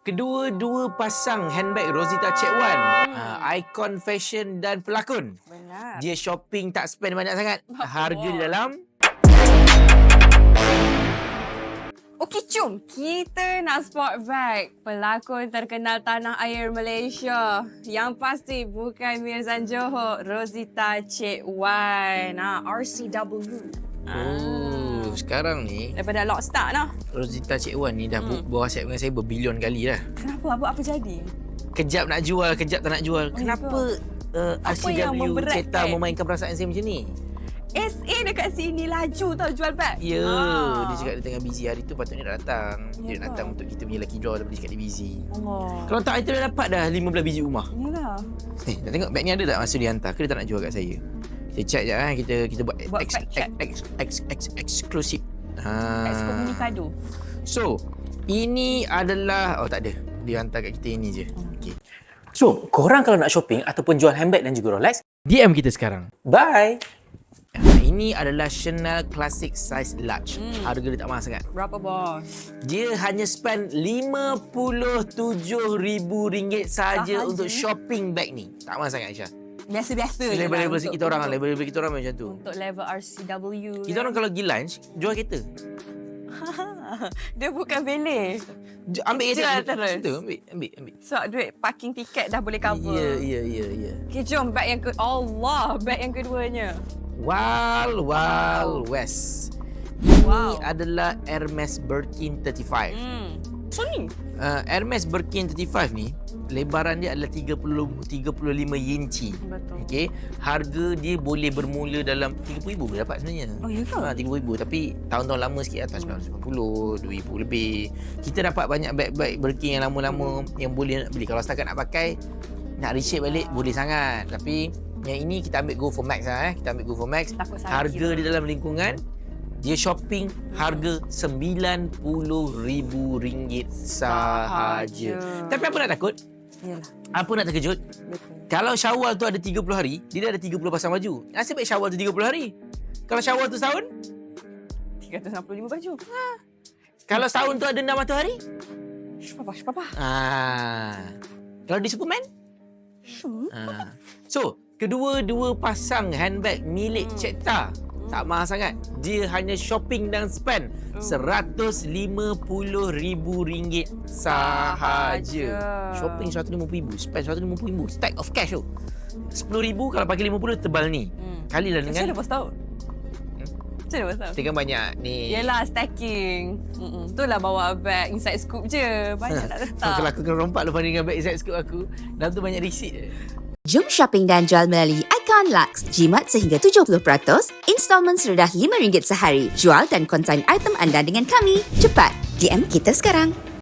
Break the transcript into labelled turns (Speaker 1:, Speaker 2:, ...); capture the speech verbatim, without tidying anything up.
Speaker 1: kedua-dua pasang handbag Rosita Cik Wan, hmm. uh, ikon fashion dan pelakon.
Speaker 2: Benar.
Speaker 1: Dia shopping tak spend banyak sangat. Harga di dalam.
Speaker 2: Okey, jom kita nak sport bag pelakon terkenal tanah air Malaysia. Yang pasti bukan Mirzan Johor, Rosita Cik Wan. Ha, R C W.
Speaker 1: Oh, sekarang ni
Speaker 2: Daripada lock start lah.
Speaker 1: Rosita Cik Wan ni dah hmm. berwasiat dengan saya berbilion kali dah.
Speaker 2: Kenapa? Apa, apa jadi?
Speaker 1: Kejap nak jual, kejap tak nak jual.
Speaker 2: Oh,
Speaker 1: Kenapa uh, R C W Ceta memainkan perasaan saya macam ni?
Speaker 2: S A dekat sini laju tau jual bag.
Speaker 1: Ya,
Speaker 2: ha.
Speaker 1: Dia cakap dia tengah busy. Hari tu patutnya dah datang. Dia
Speaker 2: Ya,
Speaker 1: datang untuk kita punya lucky draw tapi dia cakap dia busy.
Speaker 2: Allah.
Speaker 1: Kalau tak, kita dah dapat dah lima belas biji rumah.
Speaker 2: Yalah.
Speaker 1: Eh, nak tengok bag ni ada tak masa dia hantar? Ke dia tak nak jual kat saya? Kita check je lah. Kita, kita buat,
Speaker 2: buat
Speaker 1: ex,
Speaker 2: fact check.
Speaker 1: Ex, ex, ex, eksklusif. Ha.
Speaker 2: Ekskomunikado.
Speaker 1: So, ini adalah... Oh, tak ada. Dia hantar kat kita ini je. Hmm. Okay.
Speaker 3: So, korang kalau nak shopping ataupun jual handbag dan juga Rolex,
Speaker 1: D M kita sekarang.
Speaker 3: bye!
Speaker 1: Ini adalah Chanel Classic Size Large. Hmm. Harga dia tak mahal sangat.
Speaker 2: Berapa, bos?
Speaker 1: Dia hanya spend lima puluh tujuh ribu ringgit sahaja
Speaker 2: Sahaja?
Speaker 1: untuk shopping bag ni. Tak mahal sangat, Aisyah.
Speaker 2: Biasa-biasa je lah.
Speaker 1: Level-level
Speaker 2: untuk-
Speaker 1: kita orang lah.
Speaker 2: untuk-
Speaker 1: Level-level kita orang macam tu.
Speaker 2: Untuk level R C W.
Speaker 1: Kita orang kalau pergi lunch, jual kereta.
Speaker 2: Dia bukan bele.
Speaker 1: Ju- Ambil kereta.
Speaker 2: Jual
Speaker 1: ambil-
Speaker 2: terus.
Speaker 1: Betul, ambil. Ambil, ambil.
Speaker 2: So, duit parking tiket dah boleh cover.
Speaker 1: Ya, ya, ya, ya.
Speaker 2: Okay, jom bag yang ke... Allah, bag yang keduanya.
Speaker 1: Wild Wild West.
Speaker 2: Wow.
Speaker 1: Ini adalah Hermes Birkin tiga puluh lima.
Speaker 2: Hmm. So ni?
Speaker 1: Uh, Hermes Birkin tiga puluh lima ni, lebaran dia adalah tiga puluh, tiga puluh lima inci.
Speaker 2: Betul.
Speaker 1: Okey, harga dia boleh bermula dalam tiga puluh ribu boleh dapat sebenarnya.
Speaker 2: Oh, ya ke?
Speaker 1: Ha, tiga puluh ribu tapi tahun-tahun lama sikit atas sembilan puluh, dua ribu lebih. Kita dapat banyak bag-bag Birkin yang lama-lama hmm. yang boleh nak beli. Kalau setakat nak pakai, nak reshape balik boleh sangat. Tapi yang ini kita ambil Go for Max lah eh. Kita ambil Go for Max.
Speaker 2: Takut salah
Speaker 1: Harga
Speaker 2: kira.
Speaker 1: di dalam lingkungan dia shopping harga sembilan puluh ribu ringgit sahaja.
Speaker 2: Sahaja.
Speaker 1: Tapi apa nak takut?
Speaker 2: Yalah.
Speaker 1: Apa nak terkejut?
Speaker 2: Betul.
Speaker 1: Kalau Syawal tu ada tiga puluh hari, dia dah ada tiga puluh pasang baju. Nasib baik Syawal tu tiga puluh hari. Kalau Syawal tu setahun,
Speaker 2: tiga ratus enam puluh lima baju. Ha.
Speaker 1: kalau setahun tu ada enam ratus hari.
Speaker 2: Syupapa, syupapa.
Speaker 1: Ah. Kalau di Superman?
Speaker 2: Syum.
Speaker 1: Ah. So, kedua-dua pasang handbag milik
Speaker 2: Hmm.
Speaker 1: Ceta tak mahal sangat. Dia hanya shopping dan spend
Speaker 2: Hmm.
Speaker 1: seratus lima puluh ribu ringgit sahaja.
Speaker 2: Sahaja.
Speaker 1: Shopping seratus lima puluh ribu, spend seratus lima puluh ribu, stack of cash tu. sepuluh ribu kalau pakai lima puluh tebal ni.
Speaker 2: Hmm.
Speaker 1: Kalilah
Speaker 2: Macam
Speaker 1: dengan
Speaker 2: mana bos tahu?
Speaker 1: Hmm?
Speaker 2: Macam mana bos tahu?
Speaker 1: kita kan banyak ni.
Speaker 2: Yelah, stacking. Mm-mm. Itulah bawa bag inside scoop je. Banyak tak letak.
Speaker 1: Kalau aku kena rompak lepas ni dengan bag inside scoop aku, dalam tu banyak receipt je.
Speaker 4: Jom shopping dan jual melalui Icon Lux. Jimat sehingga tujuh puluh peratus, installment serendah lima ringgit sehari. Jual dan konsign item anda dengan kami. Cepat, D M kita sekarang.